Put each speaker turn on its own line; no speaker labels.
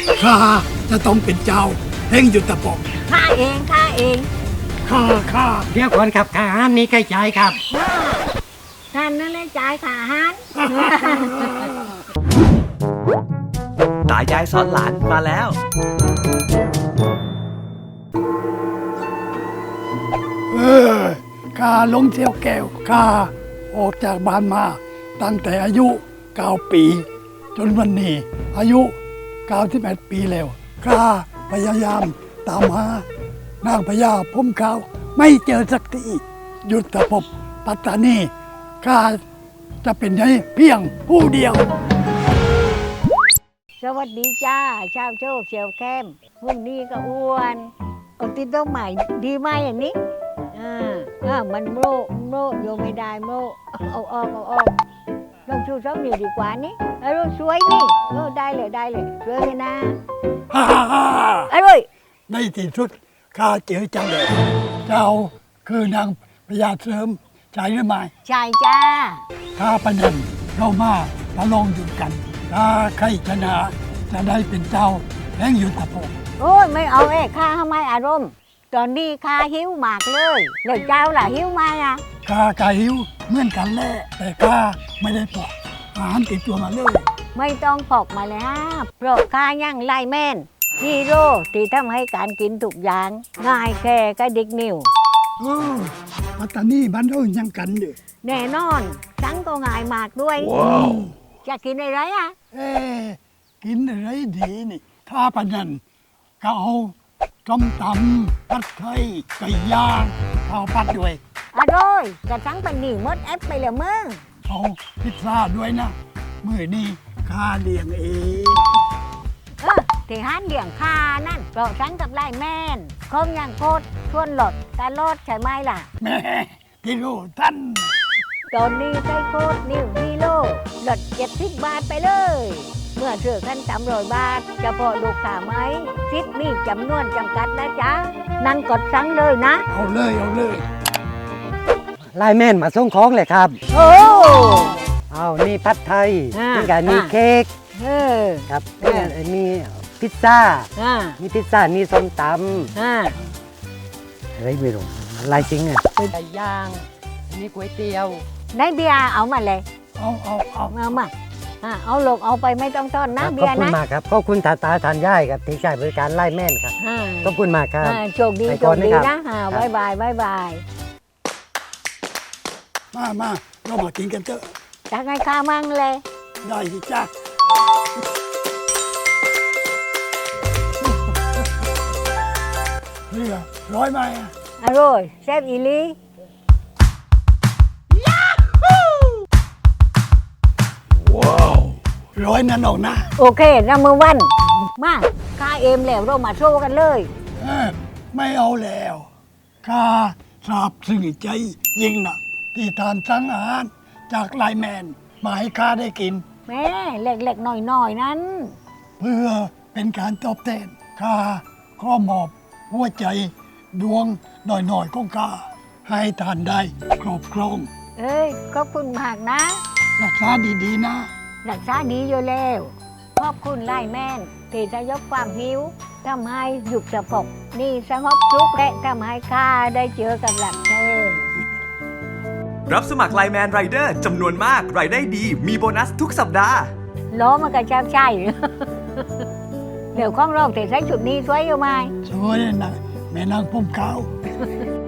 ข้าจะต้องเป็นเจ้าแห่งยุทธภพ
ข้าเองข้า
เดี๋ยวก่อนครับค่าอาหารนี้ใกล้จ่ายครับ
ท่านนั่นแหละจ่ายค่าอาหาร
ตายายสอนหลานมาแล้ว
ข้าลงเที่ยวแก้วข้าออกจากบ้านมาตั้งแต่อายุ9 ปี จนวันนี้อายุ91 ปีแล้วข้าพยายามตามหานางพญาพุ่มขาวไม่เจอสักทียุทธภพปัตตานีข้าจะเป็นได้เพียงผู้เดียว
สวัสดีจ้าชาวโชคเชียวแคมวันนี้ก็อ้วนเอาติดต้นใหม่ดีไหมอันนี้มันโมโยไม่ได้โมเอาออกลองชูสองนิ้วดีกว่านี่รู้สวยนี่ได้เลยสวยเลยนะอร่อย
ในที่สุดข้าเจอเจ้าแล้วเจ้าคือนางพญาเสริมใช่หรือไม่
ใช่จ้า
ถ้าประเด็นเรามาประลองอยู่กัน ถ้าใครชนะจะได้เป็นเจ้าแห่งยุทธภพ
โอ้ยไม่เอาข้าทำไมอารมณ์ตอนนี้ข้าหิวมากเลยแล้วเจ้าล่ะหิวไหมอ่ะ
ข้ากาหิวเหมือนกันแหละแต่ข้าไม่ได้ปอกอาหารติดตัวมาเลย
ไม่ต้องพกมาเลยฮะเพราะข้ายังไล่แม่นฮีโร่ที่ทำให้การกินทุกอย่างง่ายแค่กระดิกนิ้ว
โอ้ปัตตานีบ้านเรายังกันอยู่
แน่นอนทั้งก็ง่ายมากด้วยจะกินอะไรอ่ะ
เอ๊ะกินอะไรดีนี่ถ้าประเด็นก็เอาส้มตำผัดไทยไก่ย่างข้าวผัดด้วย
อร่อยกระทั้งเป็นหนีมดแอปไปเลยมึง
เอาพิซซ่าด้วยนะมื้อนี้ข้าเลี้ยงเอง
ที่ห้านเลี้ยงข้านั่นเพราะฉันกับไล่แม่นคงยังโคตรชวนหลดการลดใช่ไหมล่ะ
แม่ที่รู้ท่าน
ตอนนี้ใช้โค้ดนิวฮีโร่ลด70 บาทไปเลย เมื่อซื้อขั้น300 บาทจะพอลูกค้าไหมซิดมีจำนวนจำกัดนะจ๊ะ นั่นกดสั่งเลยนะ
เอาเลย
ไลน์แมนมาส่งของเลยครับ
โอ้
เอานี่ผัดไทย
อ่า
นี่กันมี
อ่า
เค้ก
เออ
ครับ
อ่า
มีพิซซ่า
อ่า
มีพิซซ่ามีส้มต
อ่า
ำอะไรไม่รู้ลายจริงอ่ะไก่ย่างมีก๋วยเตี๋ยว
ในเบียร์เอามาเลย
เอา
เอามาเอาลูกเอาไปไม่ต้องต้อนนะ
ครับ
เบี
ขอย บ
ร์
คุณ
นะ
มากครับขอบคุณตาทานย่ายครับที่ใช้บริการไลน์แมนครับ
อ่า
ขอบคุณมากครับ
โชคดี
ไป
โช
ก่อน
คดี
นะครับ
นะบายบาย
มาเรามากินกันเถอะ
จะให้ข้ามั่งเลย
ได้สิจ้าเรือร้อยไหม
อร่อยแซ่บอีหลี
ร้อยนั่นออกนะ
โอเคนัมเบอร์วันมาข้าเอมแล้วเรามาโชว์กันเลย
ไม่เอาแล้วข้าทราบซึ้งใจยิ่งหนักที่ทานสั่งอาหารจากไลน์แมนมาให้ข้าได้กิน
แม่เล็กๆหน่อยๆนั้น
เพื่อเป็นการตอบแทนข้าขอมอบหัวใจดวงหน่อยๆของข้าให้ทานได้ครอบครอง
เอ้ยขอบคุณมากนะ
รักษาดีๆนะ
รักษาดีอยู่แล้วขอบคุณไล่แม่นที่จะยกความหิวทำให้หยุดสะพกนี่สงบสุขและทำให้ข้าได้เจอกับหลักเธอ
รับสมัครไลน์แมนไรเดอร์จำนวนมากรายได้ดี มีโบนัสทุกสัปดาห์
ล้อมันก็จะใช่ เดี๋ยวข้องเราแต่ใช้จุดนี้สวยอยู่ไหม
สวยนะแม่นางพุ่มขาว